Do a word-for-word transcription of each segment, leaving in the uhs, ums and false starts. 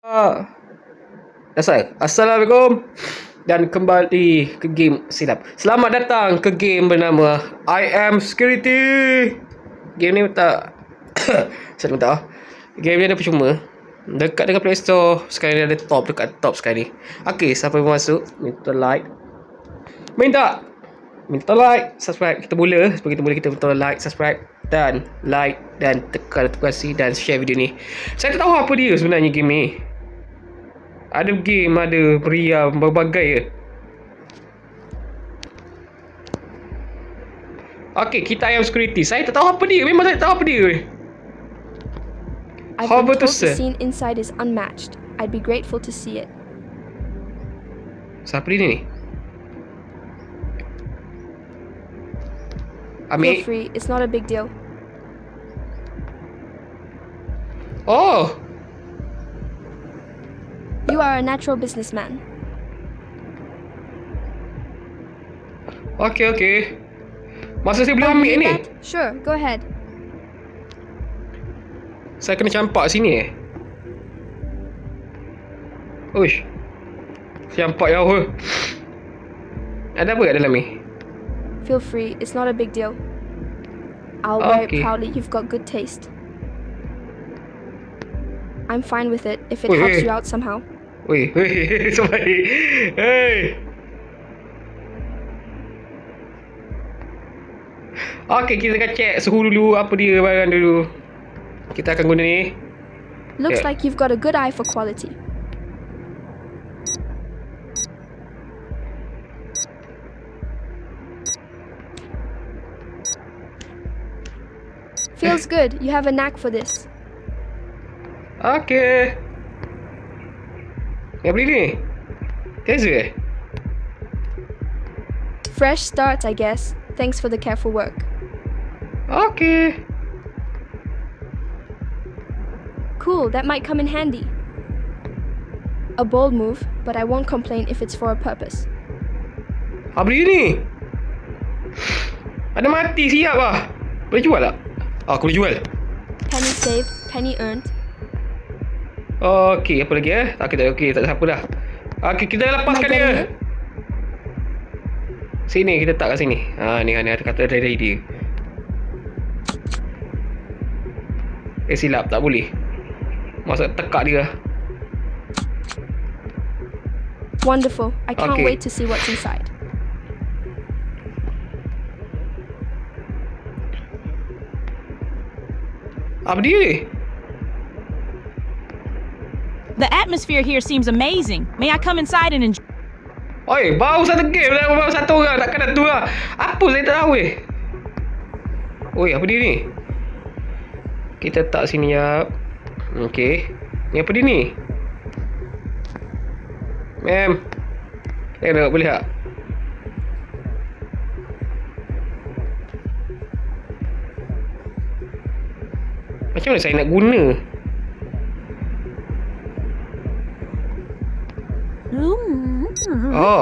Ah, Asal. Assalamualaikum dan kembali ke game silap. Selamat datang ke game bernama I Am Security. Game ni tak saya minta. Game ni ada percuma. Dekat dengan Play Store. Sekarang ni ada top dekat top sekarang ni. Okey, siapa yang masuk minta like. Minta minta like, subscribe. Kita mula. Sebelum kita mula kita minta like, subscribe dan like dan tekan notifikasi dan share video ni. Saya tak tahu apa dia sebenarnya game ni. Ada game, ada pria, berbagai je. Okay, kita ayam security. Saya tak tahu apa dia. Memang saya tak tahu apa dia. I've How been about told this, the sir? scene inside is unmatched. I'd be grateful to see it. Siapa dia ni? Feel Ambil. free, it's not a big deal. Oh, You are a natural businessman. okay, okay. Masa saya boleh Oh, you ambil need ni? that? Sure, go ahead. Saya kena campak sini eh? Uish. Campak jauh. Ada apa kat dalam ni? Feel free, it's not a big deal. I'll wear it Okay. proudly, you've got good taste. I'm fine with it if it Wait, helps wait. you out somehow. Weh, weh, sorry. Hey. Okay, kita akan check suhu dulu, apa dia barang dulu. Kita akan guna ni. Looks Yeah. like you've got a good eye for quality. Feels good, you have a knack for this. Okay. Yang beli ni? Taser eh? Fresh start, I guess. Thanks for the careful work. Okay. Cool, that might come in handy. A bold move, but I won't complain if it's for a purpose. Ha, beli ni. Ada mati siap lah. Boleh jual tak? Ah, aku boleh jual. Penny saved, penny earned. Okey, apa lagi eh? Tak, kita okey, tak ada apa dah. Okey, kita lepaskan Nak dia. getting it? Sini, kita tak kat sini. Ha, ni ni ada kata dari dia. Eh, silap, tak boleh. Masa tekak dia. Wonderful. I can't Okay. wait to see what's inside. Apa dia ni? The atmosphere here seems amazing. May I come inside and enjoy? Oi, baru satu game dah, baru satu orang, takkan ada dua. Apa saya tak tahu eh. Oi, apa dia ni? Kita tak sini ya. Okey. Ni apa dia ni? Mem. Eh, nak boleh tak? Macam mana saya nak guna? Oh.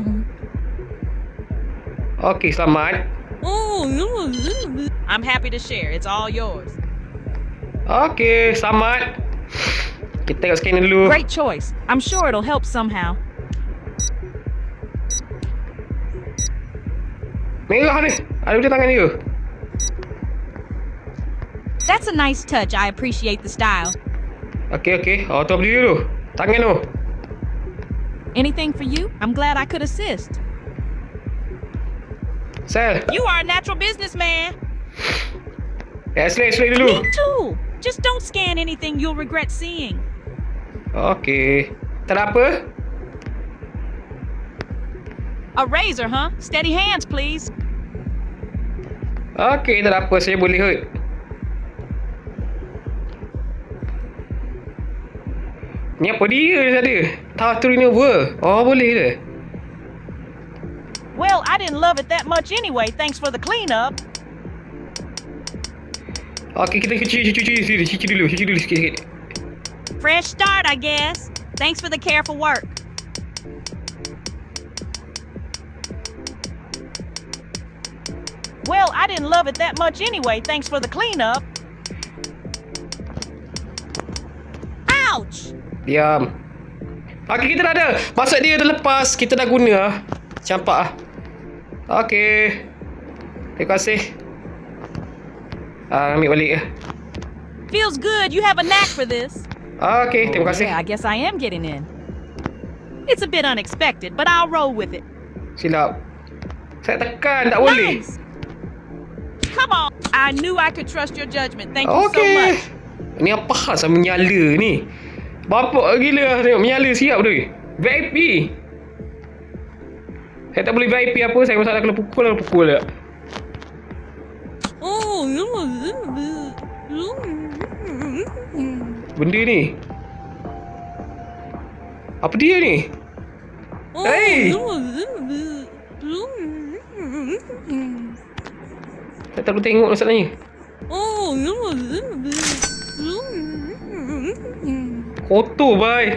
Okey, selamat. I'm happy to share. It's all yours. Okey, selamat. Kita tengok scanner dulu. Great choice. I'm sure it'll help somehow. Merah ni. Ada pada tangan dia. That's a nice touch. I appreciate the style. Okey, okey. Oh, tu beli dulu. Tangan tu. Anything for you? I'm glad I could assist. Sel. You are a natural businessman. Eh, slay, slay dulu. Me too. Just don't scan anything you'll regret seeing. Okey. Tak ada apa? A razor, huh? Steady hands, please. Okey, tak ada apa. Saya boleh hurt. Ni apa dia ada? Tower to renewal. Oh, boleh ke? Well, I didn't love it that much anyway. Thanks for the cleanup. Okey, kita cuci, cuci, cuci, cuci, cuci dulu. Cuci dulu sikit-sikit. Fresh start, I guess. Thanks for the careful work. Well, I didn't love it that much anyway. Thanks for the cleanup. Ouch! Diam. Okey, kita dah ada. Maksud dia dah lepas. Kita dah guna lah. Campak lah. Okey. Terima kasih. Ah, ambil balik. Feels good. You have a knack for this. Okey, terima kasih. Yeah, I guess I am getting in. It's a bit unexpected, but I'll roll with it. Silap. Saya tekan, tak boleh. Nice. Come on. I knew I could trust your judgment. Thank you so Okey. much. Ni apa hal sama menyala ni? Bapak gila lah tengok menyala siap tu. V I P. Saya tak boleh V I P apa, saya masalah kena pukul lah pukul tak. Oh, Benda ni. Apa dia ni? Hey! Saya tak boleh tengok masalahnya. Kotor bye.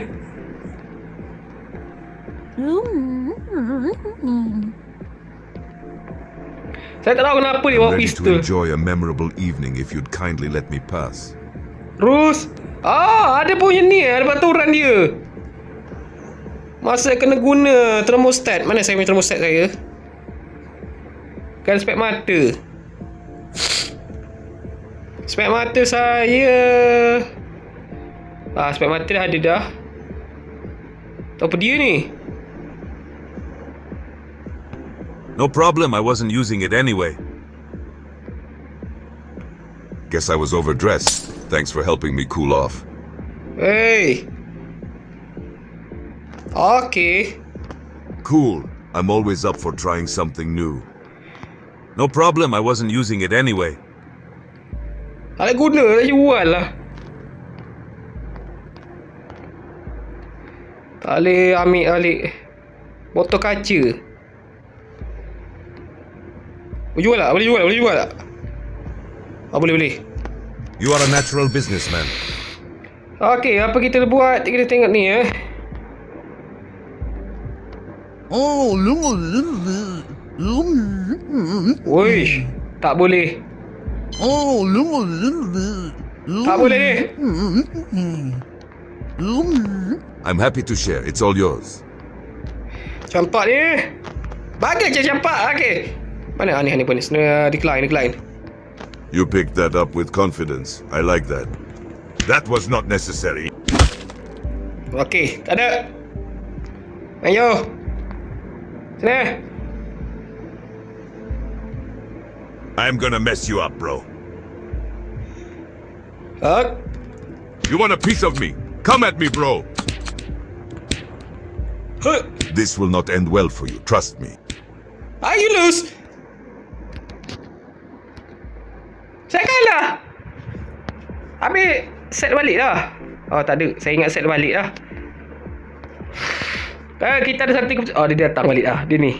Saya tak tahu kenapa dia bawa Ready to pistol. enjoy a memorable evening if you'd kindly let me pass. Terus. Ah, ada punya ni, ada peraturan dia. Masa kena guna thermostat. Mana saya punya thermostat saya? Kan spek mata. Spek mata saya. Ah, spek mata dah ada dah. Apa dia ni? No problem, I wasn't using it anyway. Guess I was overdressed. Thanks for helping me cool off. Hey. Okay. Cool, I'm always up for trying something new. No problem, I wasn't using it anyway. Tak guna, tak jual lah. Tak boleh ambil balik botol kaca. Boleh jual tak? Boleh jual, boleh jual tak? Ah, boleh, boleh. You are a natural businessman. Okey, apa kita buat? Kita tengok ni eh. Oh, Wish, tak boleh. oh, Tak boleh ni. I'm happy to share, it's all yours. Campak ni. Bagi je campak. Okey. Mana ni ni pun ni. Uh, decline, decline. You picked that up with confidence. I like that. That was not necessary. Okey, tak ada. Ayo. Sini. I'm gonna mess you up, bro. Ok. You want a piece of me? Come at me, bro. Huh. This will not end well for you, trust me. Ah, you lose. Saya kalah. Habis set balik dah. Oh, tak ada. Saya ingat set balik dah. Eh, kita ada satu keputusan. Oh, dia datang balik dah. Dia ni.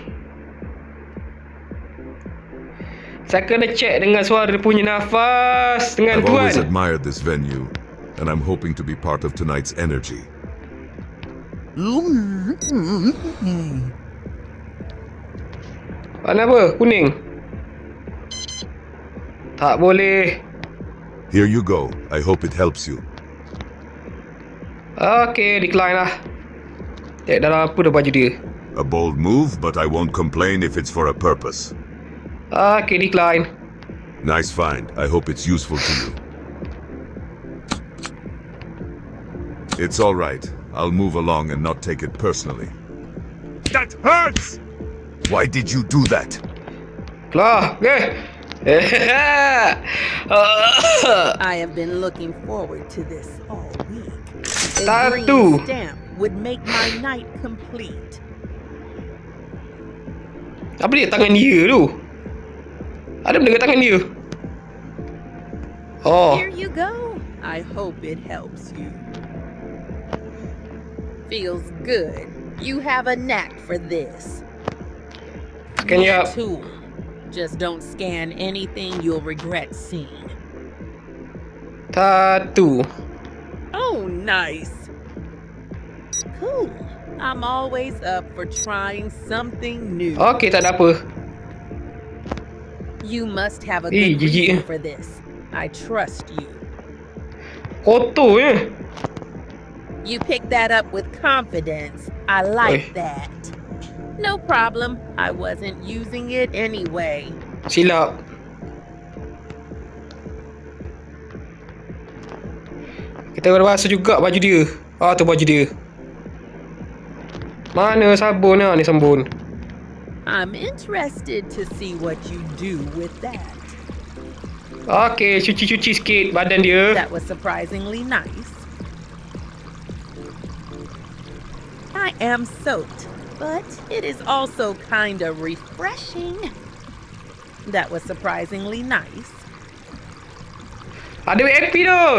Saya kena check dengan suara dia punya nafas. Dengan I've always tuan. admired this venue, and I'm hoping to be part of tonight's energy. Warna apa? Kuning. Tak boleh. Here you go. I hope it helps you. Okay, decline lah. Tengok dalam apa dah baju dia. A bold move, but I won't complain if it's for a purpose. Okay, decline. Nice find. I hope it's useful to you. It's all right. I'll move along and not take it personally. That hurts! Why did you do that? Keluar. Okay. I have been looking forward to this all week. A Tattoo. green stamp would make my night complete. Apa dia tangan dia tu? Ada benda kat tangan dia. Oh. Here you go. I hope it helps you. Feels good. You have a knack for this. Scan you Your up. tool. Just don't scan anything you'll regret seeing. Tattoo. Oh, nice. Cool. I'm always up for trying something new. Okay, tak ada apa. You must have a Eh, good jijik. reason for this. I trust you. Kotor je. You picked that up with confidence. I like Oi. that. No problem. I wasn't using it anyway. Silap. Kita kena basuh juga baju dia. Ah, tu baju dia. Mana sabun ni sabun? I'm interested to see what you do with that. Okey, cuci-cuci sikit badan dia. That was surprisingly nice. I am soaked, but it is also kind of refreshing. That was surprisingly nice. Ada W F P tu.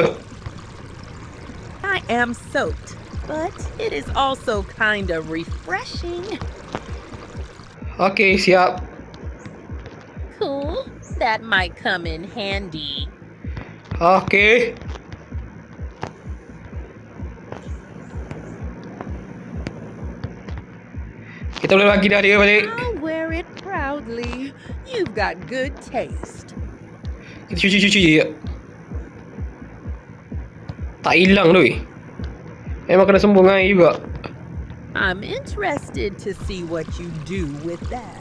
I am soaked, but it is also kind of refreshing. Okey, siap. Cool. That might come in handy. Okey. Kita boleh bagi dah dia balik. I'll wear it proudly. You've got good taste. Kita cuci-cuci je. Tak hilang tu. Memang kena sembung air juga. I'm interested to see what you do with that.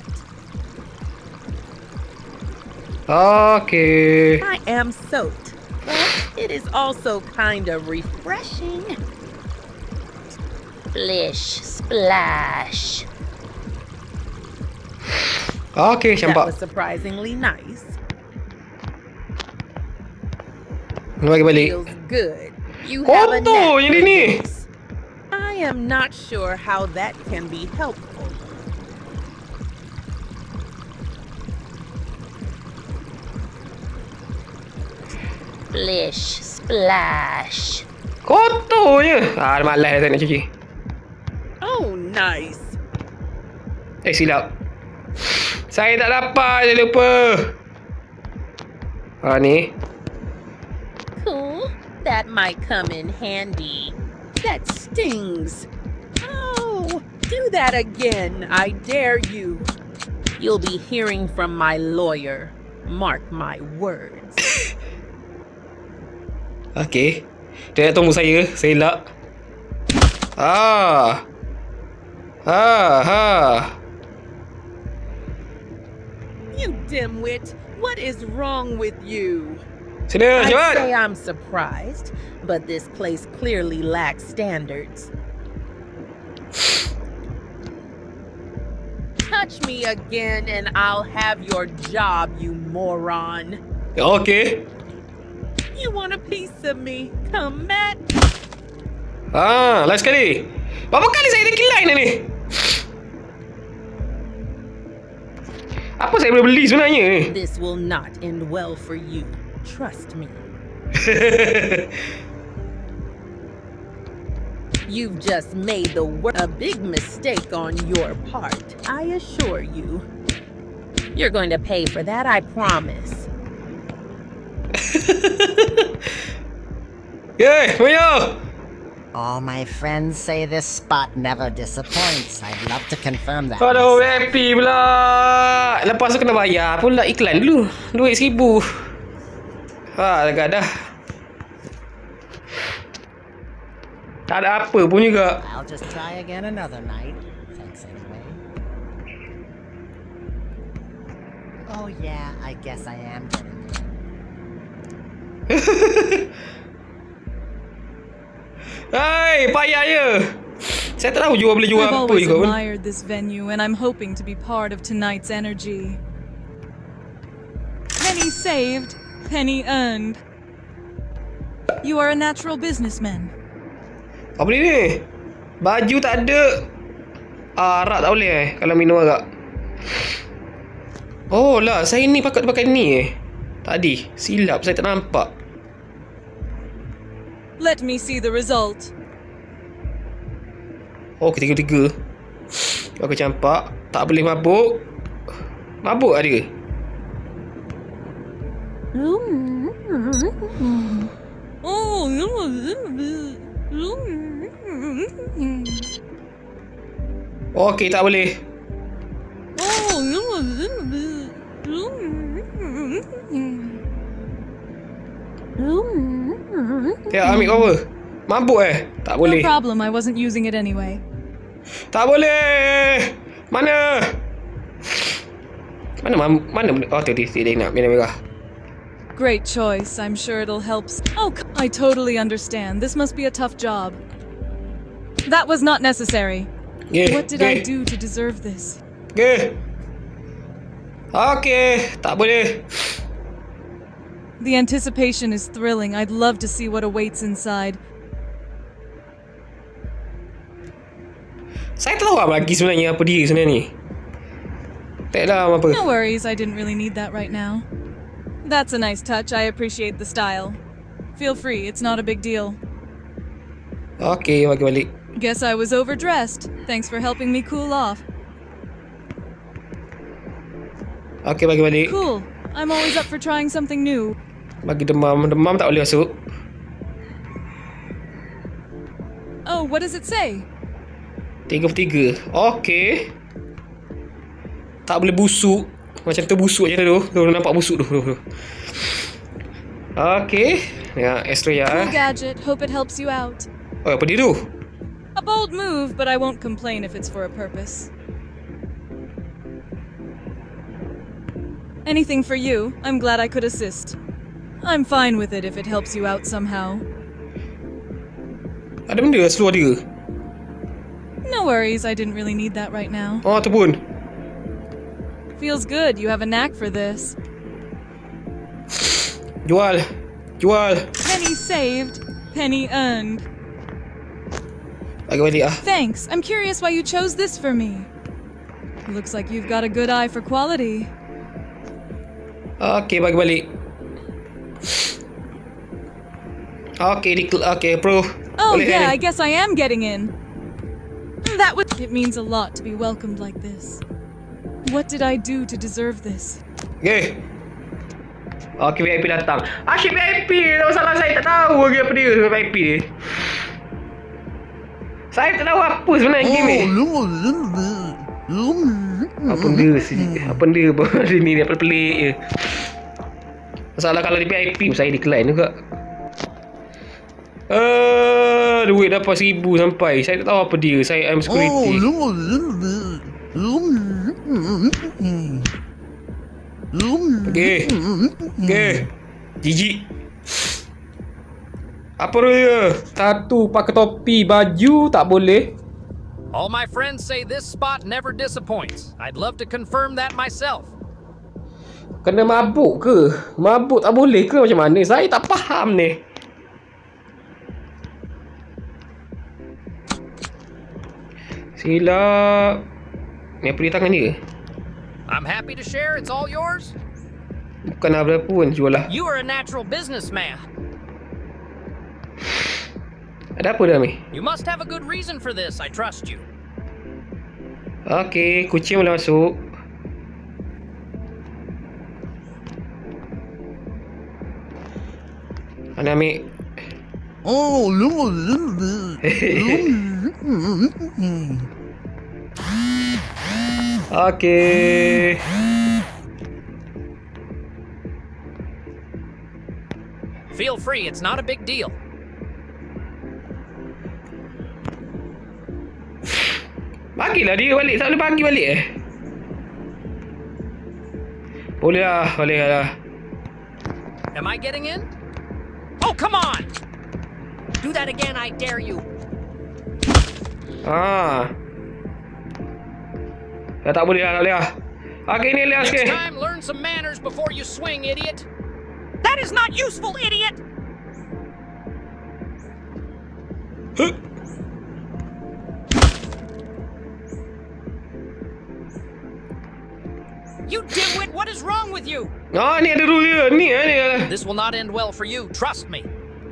Okey. I am soaked, but it is also kind of refreshing. Splish, splash. Okey, That campak. was surprisingly nice. Kena bagi balik. Feels good. You have a Kotor knack yang for ni. this. I am not sure how that can be helpful. Splish, splash. Kotor je. Ah, malas dah tak nak cuci. Oh, nice. Eh, silap. Saya tak dapat, saya lupa. Ah, ni. Cool. That might come in handy. That stings. Oh, do that again. I dare you. You'll be hearing from my lawyer. Mark my words. Okey. Dia nak tunggu saya. Saya elak. Ah. Ah, ha. You dimwit. What is wrong with you? Sini, I'd cepat. say I'm surprised, but this place clearly lacks standards. Touch me again and I'll have your job, you moron. Okey. You want a piece of me? Come at Ah, last sekali. Berapa kali saya decline ni? Apa saya boleh beli sebenarnya ni? This will not end well for you. Trust me. You've just made the wor- a big mistake on your part. I assure you. You're going to pay for that, I promise. Yeay, Mayo. All my friends say this spot never disappoints. I'd love to confirm that. Aduh, myself. happy pula. Lepas tu kena bayar pula iklan dulu. Duit seribu. Ha, agak dah. Tak ada apa pun juga. I'll just try again another night. Thanks anyway. Oh yeah, I guess I am getting it. Hai, payah je. Saya tak tahu jual boleh jual I've apa always juga pun. admired this venue, and I'm hoping to be part of tonight's energy. Penny saved, penny earned. You are a natural businessman. Apa beli ni? Baju tak ada. Ah, arak tak boleh eh kalau minum arak. Oh lah, saya ni pakai pakai ni eh. Tadi, silap saya tak nampak. Let me see the result. Oh, ketiga-tiga. Aku campak. Tak boleh mabuk. Mabuk ada. Oh, Okey, tak boleh. Ya, ambil cover. Mabuk eh? Tak No boleh. problem, I wasn't using it anyway. Tak boleh. Mana? Mana mam, mana? Oh, tu dia dia nak merah-merah. Great choice, I'm sure it'll help. s- Oh, c- I totally understand. This must be a tough job. That was not necessary. Okay. What did I okay. do to deserve this? Okay. Okay, tak boleh. The anticipation is thrilling. I'd love to see what awaits inside. Saya tak tahu apa lagi sebenarnya apa dia sebenarnya ni. Tak tahu apa. No worries, I didn't really need that right now. That's a nice touch. I appreciate the style. Feel free, it's not a big deal. Okay, bagi balik. Guess I was overdressed. Thanks for helping me cool off. Okay, bagi balik. Cool. I'm always up for trying something new. Bagi demam. Demam tak boleh masuk. Oh, what does it say? Tiga per tiga. Okay. Tak boleh busuk. Macam tu busuk je tu. Tu nampak busuk tu. tu, tu. Okay. Ya, extra ya. Cool gadget. Hope it helps you out. Oh, apa dia tu? A bold move, but I won't complain if it's for a purpose. Anything for you. I'm glad I could assist. I'm fine with it if it helps you out somehow. Ada benda seluar dia. No worries, I didn't really need that right now. Oh, tu pun. Feels good, you have a knack for this. Jual. Jual. Penny saved, penny earned. Bagi balik ah. Thanks, I'm curious why you chose this for me. Looks like you've got a good eye for quality. Okay, bagi balik. Okay, di okay, bro. Oh Boleh yeah, ni. I guess I am getting in. That would it means a lot to be welcomed like this. What did I do to deserve this? Okay. Okay, V I P datang. Asyik V I P. Tak masalah, saya tak tahu lagi apa dia V I P dia. Saya tak tahu apa sebenarnya game ni. Apa dia sih? Apa dia hari ni dia pelik je. Masalah kalau di V I P saya decline juga. Uh, duit dapat seribu sampai. Saya tak tahu apa dia. Saya am security. Okay. Okay. Jijik. Apa dia? Satu pakai topi, baju tak boleh. All my friends say this spot never disappoints. I'd love to confirm that myself. Kena mabuk ke? Mabuk tak boleh ke macam mana? Saya tak faham ni. Silap. Ni apa di tangan dia? I'm happy to share. It's all yours. Bukan apa pun, jual lah. You are a natural businessman. Ada apa dah ni? You must have a good reason for this. I trust you. Okey, kucing boleh masuk. Mana ambil? Oh, Okey. Feel free. It's not a big deal. Bagilah dia balik. Tak boleh bagi balik eh. Boleh lah. Boleh lah. Am I getting in? Oh, come on! Do that again, I dare you. Ah. Dah tak boleh lah. Tak boleh lah. Okey, ni lihat Next sikit. time, learn some manners before you swing, idiot. That is not useful, idiot! Huh. You dimwit, what is wrong with you? Ah, ni ada rule dia. Ni eh, ni. This will not end well for you, trust me.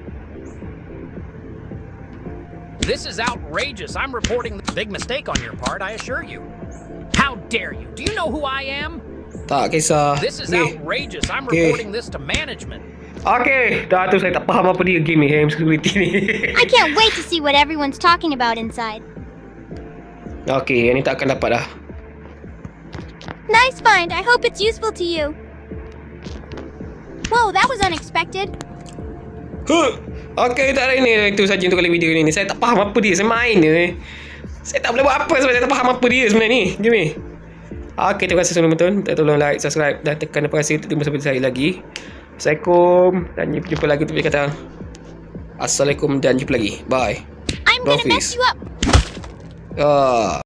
This is outrageous. I'm reporting the big mistake on your part, I assure you. How dare you? Do you know who I am? Tak kisah. This is Okey. outrageous. I'm Okay. reporting this to management. Okey, dah tu saya tak faham apa dia game ni, game security ni. I can't wait to see what everyone's talking about inside. Okey, yang ni tak akan dapat dah. Nice find. I hope it's useful to you. Whoa, that was unexpected. Huh. Okey, tak ada ini. Itu saja untuk kali video ini. Saya tak faham apa dia. Saya main je. Saya tak boleh buat apa sebab saya tak faham apa dia sebenarnya ni. Jom ni. Okey, terima kasih sudah menonton. Tolong like, subscribe dan tekan notifikasi untuk tunggu sampai saya lagi. Assalamualaikum dan jumpa lagi untuk video kata. Assalamualaikum dan jumpa lagi. Bye. I'm gonna Rofis. mess you up. Ah.